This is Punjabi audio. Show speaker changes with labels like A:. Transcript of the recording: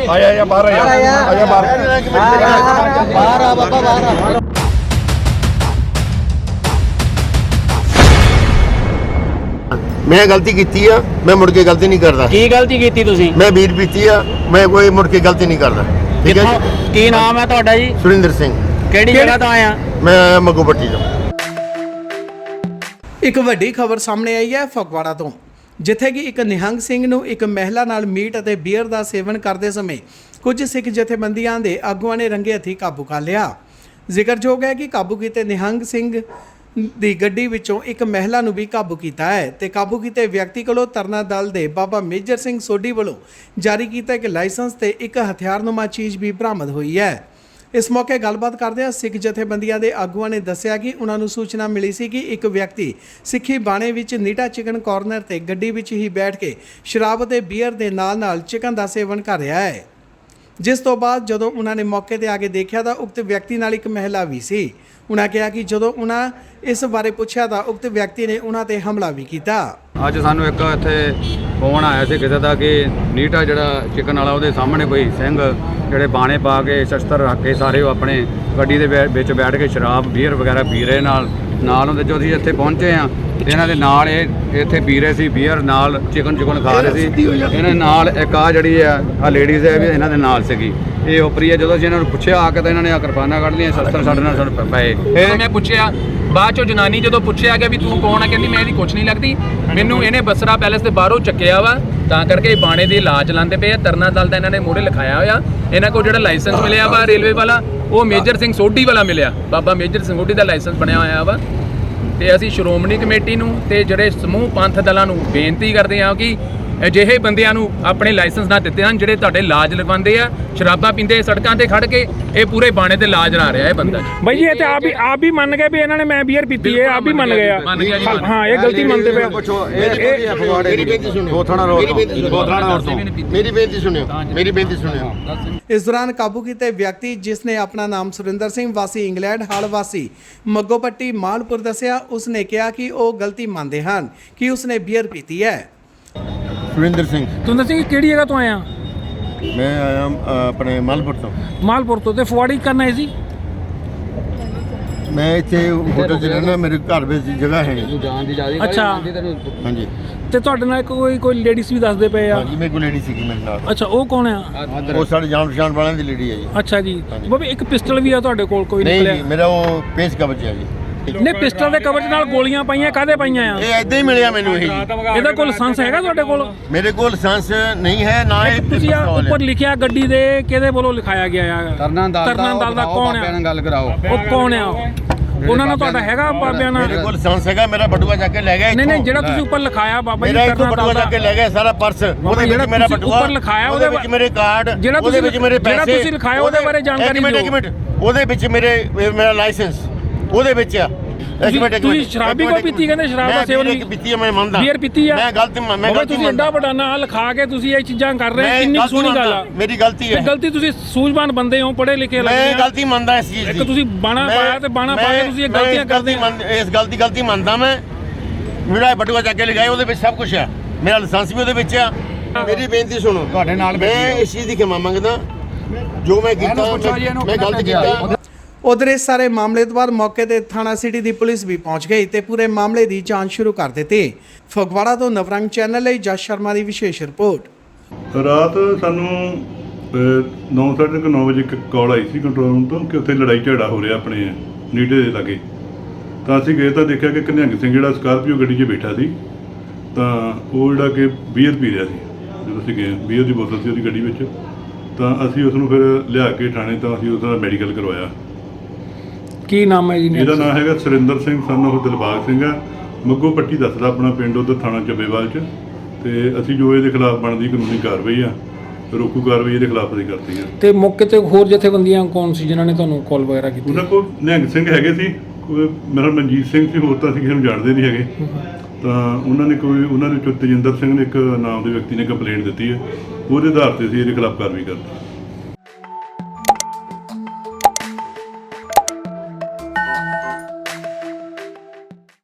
A: आया बाहर आया बाहर आ बाबा बाहर आ। मैं गलती की है, मैं मुड़ के गलती नहीं करता।
B: की गलती की तुसी?
A: मैं बीर पीती है, मैं कोई मुड़ के गलती नहीं करता। ठीक है जी।
B: की नाम है ਤੁਹਾਡਾ ਜੀ?
A: सुरिंदर सिंह।
B: ਕਿਹੜੀ ਜਗ੍ਹਾ ਤੋਂ ਆਇਆ?
A: मैं आया मग्गू पट्टी ਤੋਂ।
C: ਇੱਕ ਵੱਡੀ ਖਬਰ ਸਾਹਮਣੇ ਆਈ ਹੈ ਫਗਵਾੜਾ ਤੋਂ, ਜਿੱਥੇ ਕਿ ਇੱਕ ਨਿਹੰਗ ਸਿੰਘ ਨੂੰ ਇੱਕ ਮਹਿਲਾ ਨਾਲ ਮੀਟ ਅਤੇ ਬੀਅਰ ਦਾ ਸੇਵਨ ਕਰਦੇ ਸਮੇਂ ਕੁਝ ਸਿੱਖ ਜਥੇਬੰਦੀਆਂ ਦੇ ਆਗੂਆਂ ਨੇ ਰੰਗੇ ਹੱਥੀਂ ਕਾਬੂ ਕਰ ਲਿਆ। ਜ਼ਿਕਰਯੋਗ ਹੈ ਕਿ ਕਾਬੂ ਕੀਤੇ ਨਿਹੰਗ ਸਿੰਘ ਦੀ ਗੱਡੀ ਵਿੱਚੋਂ ਇੱਕ ਮਹਿਲਾ ਨੂੰ ਵੀ ਕਾਬੂ ਕੀਤਾ ਹੈ ਤੇ ਕਾਬੂ ਕੀਤੇ ਵਿਅਕਤੀ ਕੋਲੋਂ ਤਰਨਾ ਦਲ ਦੇ ਬਾਬਾ ਮੇਜਰ ਸਿੰਘ ਸੋਢੀ ਵੱਲੋਂ ਜਾਰੀ ਕੀਤਾ ਇੱਕ ਲਾਇਸੈਂਸ ਤੇ ਇੱਕ ਹਥਿਆਰਨੁਮਾ ਚੀਜ਼ ਵੀ ਬਰਾਮਦ ਹੋਈ ਹੈ। ਇਸ ਮੌਕੇ ਗੱਲਬਾਤ ਕਰਦਿਆਂ ਸਿੱਖ ਜਥੇਬੰਦੀਆਂ ਦੇ ਆਗੂਆਂ ਨੇ ਦੱਸਿਆ ਕਿ ਉਹਨਾਂ ਨੂੰ ਸੂਚਨਾ ਮਿਲੀ ਸੀ ਕਿ ਇੱਕ ਵਿਅਕਤੀ ਸਿੱਖੀ ਬਾਣੇ ਵਿੱਚ ਨੀਟਾ ਚਿਕਨ ਕਾਰਨਰ ਤੇ ਗੱਡੀ ਵਿੱਚ ਹੀ ਬੈਠ ਕੇ ਸ਼ਰਾਬ ਅਤੇ ਬੀਅਰ ਦੇ ਨਾਲ ਚਿਕਨ ਦਾ ਸੇਵਨ ਕਰ ਰਿਹਾ ਹੈ, ਜਿਸ ਤੋਂ ਬਾਅਦ ਜਦੋਂ ਉਹਨਾਂ ਨੇ ਮੌਕੇ ਤੇ ਆ ਕੇ ਦੇਖਿਆ ਤਾਂ ਉਕਤ ਵਿਅਕਤੀ ਨਾਲ ਇੱਕ ਮਹਿਲਾ ਵੀ ਸੀ। ਉਹਨਾਂ ਕਿਹਾ ਕਿ ਜਦੋਂ ਉਹਨਾਂ ਇਸ ਬਾਰੇ ਪੁੱਛਿਆ ਤਾਂ ਉਕਤ ਵਿਅਕਤੀ ਨੇ ਉਹਨਾਂ ਤੇ ਹਮਲਾ ਵੀ ਕੀਤਾ।
D: ਅੱਜ ਸਾਨੂੰ ਇੱਕ ਇੱਥੇ ਫੋਨ ਆਇਆ ਸੀ ਕਿਸੇ ਦਾ ਕਿ ਨੀਟਾ ਜਿਹੜਾ ਚਿਕਨ ਵਾਲਾ ਉਹਦੇ ਸਾਹਮਣੇ ਕੋਈ ਸਿੰਘ ਜਿਹੜੇ ਬਾਣੇ ਪਾ ਕੇ ਸ਼ਸਤਰ ਰੱਖ ਕੇ ਸਾਰੇ ਉਹ ਆਪਣੇ ਗੱਡੀ ਦੇ ਵਿੱਚ ਬੈਠ ਕੇ ਸ਼ਰਾਬ ਬੀਅਰ ਵਗੈਰਾ ਪੀ ਰਹੇ ਨਾਲ ਉਹਦੇ ਜੋ ਅਸੀਂ ਇੱਥੇ ਪਹੁੰਚੇ ਆ ਇਹਨਾਂ ਦੇ ਨਾਲ ਇਹ ਇੱਥੇ ਪੀ ਰਹੇ ਸੀ ਬੀਅਰ ਨਾਲ ਚਿਕਨ ਖਾ ਰਹੇ ਸੀ। ਇਹਨਾਂ ਨਾਲ ਇੱਕ ਆ ਜਿਹੜੀ ਆ ਲੇਡੀਜ਼ ਹੈ ਵੀ ਇਹਨਾਂ ਦੇ ਨਾਲ ਸੀਗੀ। ਇਹ ਉਪਰੀ ਹੈ। ਜਦੋਂ ਅਸੀਂ ਇਹਨਾਂ ਨੂੰ ਪੁੱਛਿਆ ਆ ਕੇ ਤਾਂ ਇਹਨਾਂ ਨੇ ਆ ਕਿਰਪਾਨਾਂ ਕੱਢ ਲਈਆਂ, ਸ਼ਸਤਰ ਸਾਡੇ ਨਾਲ ਪਏ।
E: ਫਿਰ ਮੈਂ ਪੁੱਛਿਆ ਬਾਅਦ ਚੋਂ ਜਨਾਨੀ ਜਦੋਂ ਪੁੱਛਿਆ ਗਿਆ ਵੀ ਤੂੰ ਕੌਣ ਆ, ਕਹਿੰਦੀ ਮੈਂ ਇਹਦੀ ਕੁਛ ਨਹੀਂ ਲੱਗਦੀ, ਮੈਨੂੰ ਇਹਨੇ ਬਸਰਾ ਪੈਲੇਸ ਦੇ ਬਾਹਰੋਂ ਚੱਕਿਆ ਵਾ ਤਾਂ ਕਰਕੇ ਬਾਣੇ ਦੀ ਲਾਜ ਲਾਉਂਦੇ ਪਏ ਆ। ਤਰਨਾ ਦਲ ਦਾ ਇਹਨਾਂ ਨੇ ਮੋਹਰੇ ਲਿਖਾਇਆ ਹੋਇਆ। ਇਹਨਾਂ ਕੋਲ ਜਿਹੜਾ ਲਾਇਸੈਂਸ ਮਿਲਿਆ ਵਾ ਰੇਲਵੇ ਵਾਲਾ ਉਹ ਮੇਜਰ ਸਿੰਘ ਸੋਢੀ ਵਾਲਾ ਮਿਲਿਆ, ਬਾਬਾ ਮੇਜਰ ਸਿੰਘ ਸੋਢੀ ਦਾ ਲਾਇਸੈਂਸ ਬਣਿਆ ਹੋਇਆ ਵਾ। ਤੇ ਅਸੀਂ ਸ਼੍ਰੋਮਣੀ ਕਮੇਟੀ ਨੂੰ ਤੇ ਜਿਹੜੇ ਸਮੂਹ ਪੰਥ ਦਲਾਂ ਨੂੰ ਬੇਨਤੀ ਕਰਦੇ ਹਾਂ ਕਿ ਅਜਿਹੇ ਬੰਦਿਆਂ ਨੂੰ ਆਪਣੇ ਲਾਇਸੈਂਸ ਨਾ ਦਿੱਤੇ ਹਨ ਜਿਹੜੇ ਤੁਹਾਡੇ ਲਾਜ ਲਗਵਾਉਂਦੇ ਆ, ਸ਼ਰਾਬਾਂ ਪੀਂਦੇ ਸੜਕਾਂ ਤੇ ਖੜ ਕੇ ਇਹ ਪੂਰੇ ਬਾਣੇ ਤੇ ਲਾਜ ਲਾ ਰਿਹਾ ਇਹ ਬੰਦਾ।
F: भाई ये तो आप भी मान गए भी इन्होंने मैं बियर पीती है, आप भी मान गए हाँ ये गलती मानते पे।
A: मेरी बेनती सुनियो।
C: इस दौरान काबू किए व्यक्ति जिसने अपना नाम सुरिंदर सिंह वासी इंग्लैंड हाल वासी मग्गोपट्टी मालपुर दसिया, उसने कहा कि वो गलती मानते हैं कि उसने बीयर पीती है।
A: सुरिंदर सिंह।
F: तू दसी किहड़ी जगह तो आया?
A: मैं आया अपने मालपुर तो।
F: मालपुर तो फुआड़ी करना है जी?
A: मैं इतने होटल च रहना, मेरे घर में जगह है नहीं।
F: अच्छा
A: हाँ जी।
F: ਤੇ ਤੁਹਾਡੇ ਨਾਲ ਕੋਈ ਲੇਡੀਜ਼ ਵੀ ਦੱਸਦੇ ਪਏ ਆ?
A: ਹਾਂਜੀ ਮੇਰੇ ਕੋਲ ਲੇਡੀ ਸੀਗੀ ਮੇਰੇ ਨਾਲ।
F: ਅੱਛਾ ਉਹ ਕੌਣ ਆ?
A: ਉਹ ਸਾਡੇ ਜਾਣ ਪਛਾਣ ਵਾਲਿਆਂ ਦੀ ਲੇਡੀ ਹੈ ਜੀ।
F: ਅੱਛਾ ਜੀ। ਬਾਬੇ ਇੱਕ ਪਿਸਟਲ ਵੀ ਆ ਤੁਹਾਡੇ ਕੋਲ ਕੋਈ ਨਿਕਲਿਆ?
A: ਨਹੀਂ ਮੇਰਾ ਉਹ ਪੇਸ ਕਵਚ ਹੈ ਜੀ।
F: ਨਹੀਂ ਪਿਸਟਲ ਦੇ ਕਵਚ ਨਾਲ ਗੋਲੀਆਂ ਪਾਈਆਂ ਕਾਹਦੇ ਪਾਈਆਂ ਆ?
A: ਇਹ ਐਦਾਂ ਹੀ ਮਿਲਿਆ ਮੈਨੂੰ ਇਹ।
F: ਇਹਦਾ ਕੋਈ ਲਾਇਸੈਂਸ ਹੈਗਾ ਤੁਹਾਡੇ ਕੋਲ?
A: ਮੇਰੇ ਕੋਲ ਲਾਇਸੈਂਸ ਨਹੀਂ ਹੈ ਨਾ। ਇਹ
F: ਤੁਸੀਂ ਉੱਪਰ ਲਿਖਿਆ ਗੱਡੀ ਦੇ ਕਿਹਦੇ ਵੱਲੋਂ ਲਿਖਾਇਆ ਗਿਆ ਆ?
D: ਤਰਨਾ ਦਲ ਦਾ
F: ਕੌਣ ਆ?
D: ਗੱਲ ਕਰਾਓ।
F: ਉਹ ਕੌਣ ਆ? ਉਹਨਾਂ ਨਾਲ ਤੁਹਾਡਾ ਹੈਗਾ ਬਾਬਿਆਂ ਨਾਲ?
A: ਮੇਰੇ ਕੋਲ ਲਾਇਸੈਂਸ ਹੈਗਾ, ਮੇਰਾ ਬਟੂਆ ਜਾ ਕੇ ਲੈ ਗਿਆ।
F: ਨਹੀਂ ਜਿਹੜਾ ਤੁਸੀਂ ਉੱਪਰ ਲਿਖਾਇਆ ਬਾਬਾ ਜੀ
A: ਮੇਰਾ ਇੱਥੋਂ ਬਟੂਆ ਜਾ ਕੇ ਲੈ ਗਿਆ ਸਾਰਾ ਪਰਸ, ਉਹਦੇ ਵਿੱਚ ਮੇਰਾ ਬਟੂਆ
F: ਉੱਪਰ ਲਿਖਾਇਆ,
A: ਉਹਦੇ ਵਿੱਚ ਮੇਰੇ ਕਾਰਡ, ਉਹਦੇ ਵਿੱਚ ਮੇਰੇ ਪੈਸੇ,
F: ਜਿਹੜਾ ਤੁਸੀਂ ਲਿਖਾਇਆ ਉਹਦੇ ਬਾਰੇ ਜਾਣਕਾਰੀ ਦਿਓ।
A: ਇੱਕ ਮਿੰਟ ਉਹਦੇ ਵਿੱਚ ਮੇਰਾ ਲਾਇਸੈਂਸ ਉਹਦੇ ਵਿੱਚ ਆ।
F: ਤੁਸੀਂ ਸ਼ਰਾਬੀ ਕੋ ਪੀਤੀ? ਕਹਿੰਦੇ ਸ਼ਰਾਬ ਦਾ ਸੇਵਨ ਨਹੀਂ
A: ਪੀਤੀ ਹੈ, ਮੈਂ ਮੰਨਦਾ।
F: ਬੀਅਰ ਪੀਤੀ ਆ?
A: ਮੈਂ ਗਲਤੀ
F: ਤੁਸੀਂ ਐਡਾ ਵੱਡਾ ਨਾਂ ਲਿਖਾ ਕੇ ਤੁਸੀਂ ਇਹ ਚੀਜ਼ਾਂ ਕਰ ਰਹੇ ਹੋ, ਕਿੰਨੀ ਸੋਹਣੀ ਗੱਲ ਆ।
A: ਮੇਰੀ ਗਲਤੀ ਹੈ।
F: ਗਲਤੀ ਤੁਸੀਂ ਸੂਝਵਾਨ ਬੰਦੇ ਹੋ, ਪੜ੍ਹੇ ਲਿਖੇ ਲੱਗਦੇ ਆ।
A: ਮੈਂ ਗਲਤੀ ਮੰਨਦਾ ਇਸ ਚੀਜ਼ ਦੀ।
F: ਇੱਕ ਤੁਸੀਂ ਬਾਣਾ ਪਾਇਆ ਤੇ ਬਾਣਾ ਪਾ ਕੇ ਤੁਸੀਂ ਇਹ ਗਲਤੀਆਂ ਕਰਦੇ ਹੋ।
A: ਇਸ ਗਲਤੀ ਮੰਨਦਾ ਮੈਂ। ਮੇਰਾ ਬਟੂਆ ਚੱਕ ਕੇ ਲਗਾਇਆ, ਉਹਦੇ ਵਿੱਚ ਸਭ ਕੁਝ ਆ, ਮੇਰਾ ਲਾਇਸੈਂਸ ਵੀ ਉਹਦੇ ਵਿੱਚ ਆ। ਮੇਰੀ ਬੇਨਤੀ ਸੁਣੋ, ਤੁਹਾਡੇ ਨਾਲ ਮੈਂ ਇਸ ਚੀਜ਼ ਦੀ ਖਿਮਾ ਮੰਗਦਾ ਜੋ ਮੈਂ ਕੀਤਾ, ਮੈਂ ਗਲਤ ਕੀਤਾ।
C: उधर इस सारे मामले के बाद मौके पर थाना सिटी की पुलिस भी पहुंच गई तो पूरे मामले की जांच शुरू कर दी। फगवाड़ा तो नवरंग चैनल ਲਈ जस शर्मा की विशेष रिपोर्ट।
G: रात सानू 9:30 ਵਜੇ ਇੱਕ ਕਾਲ ਆਈ ਸੀ ਕੰਟਰੋਲ ਰੂਮ ਤੋਂ ਕਿ ਉੱਥੇ ਲੜਾਈ ਝਗੜਾ ਹੋ ਰਿਹਾ ਆਪਣੇ ਨੀਟੇ ਦੇ ਲਾਗੇ। ਤਾਂ ਅਸੀਂ ਗਏ ਤਾਂ ਦੇਖਿਆ ਕਿ ਨਿਹੰਗ ਸਿੰਘ ਜਿਹੜਾ ਸਕਾਰਪੀਓ ਗੱਡੀ 'ਚ ਬੈਠਾ ਸੀ ਤਾਂ ਉਹ ਜਿਹੜਾ ਕਿ ਬੀਅਰ ਪੀ ਰਿਹਾ ਸੀ। ਜਦੋਂ ਅਸੀਂ ਗਏ ਬੀਅਰ ਦੀ ਬੋਤਲ ਸੀ ਉਹਦੀ ਗੱਡੀ ਵਿੱਚ, ਤਾਂ ਅਸੀਂ ਉਸ ਨੂੰ ਫਿਰ ਲਿਆ ਕੇ ਥਾਣੇ ਤਾਂ ਅਸੀਂ ਉਹਦਾ ਮੈਡੀਕਲ ਕਰਵਾਇਆ।
F: ਕੀ ਨਾਮ ਹੈ ਜੀ?
G: ਇਹਦਾ ਨਾਮ ਹੈਗਾ ਸੁਰਿੰਦਰ ਸਿੰਘ ਸਨ ਉਹ ਦਿਲਬਾਗ ਸਿੰਘ ਆ, ਮੱਗੋ ਪੱਟੀ ਦੱਸਦਾ ਆਪਣਾ ਪਿੰਡ, ਉੱਧਰ ਥਾਣਾ ਚੱਬੇਵਾਲ 'ਚ। ਤੇ ਅਸੀਂ ਜੋ ਇਹਦੇ ਖਿਲਾਫ ਬਣਦੀ ਕਾਨੂੰਨੀ ਕਾਰਵਾਈ ਆ, ਰੋਕੂ ਕਾਰਵਾਈ ਇਹਦੇ ਖਿਲਾਫ ਅਸੀਂ ਕਰਤੀ ਆ।
F: ਤੇ ਮੌਕੇ ਤੇ ਹੋਰ ਜਥੇਬੰਦੀਆਂ ਕੌਣ ਸੀ ਜਿਨ੍ਹਾਂ ਨੇ ਤੁਹਾਨੂੰ ਕਾਲ ਵਗੈਰਾ ਕੀਤੀ?
G: ਉਹਨਾਂ ਕੋਲ ਨਿਹੰਗ ਸਿੰਘ ਹੈਗੇ ਸੀ, ਮੇਰਾ ਮਨਜੀਤ ਸਿੰਘ ਸੀ, ਹੋਰ ਤਾਂ ਅਸੀਂ ਕਿਸੇ ਨੂੰ ਜਾਣਦੇ ਨਹੀਂ ਹੈਗੇ। ਤਾਂ ਉਹਨਾਂ ਦੇ ਚੋਂ ਤੇਜਿੰਦਰ ਸਿੰਘ ਨੇ ਇੱਕ ਨਾਮ ਦੇ ਵਿਅਕਤੀ ਨੇ ਕੰਪਲੇਂਟ ਦਿੱਤੀ ਹੈ, ਉਹਦੇ ਆਧਾਰ ਤੇ ਅਸੀਂ ਇਹਦੇ ਖਿਲਾਫ ਕਾਰਵਾਈ ਕਰਤੀ।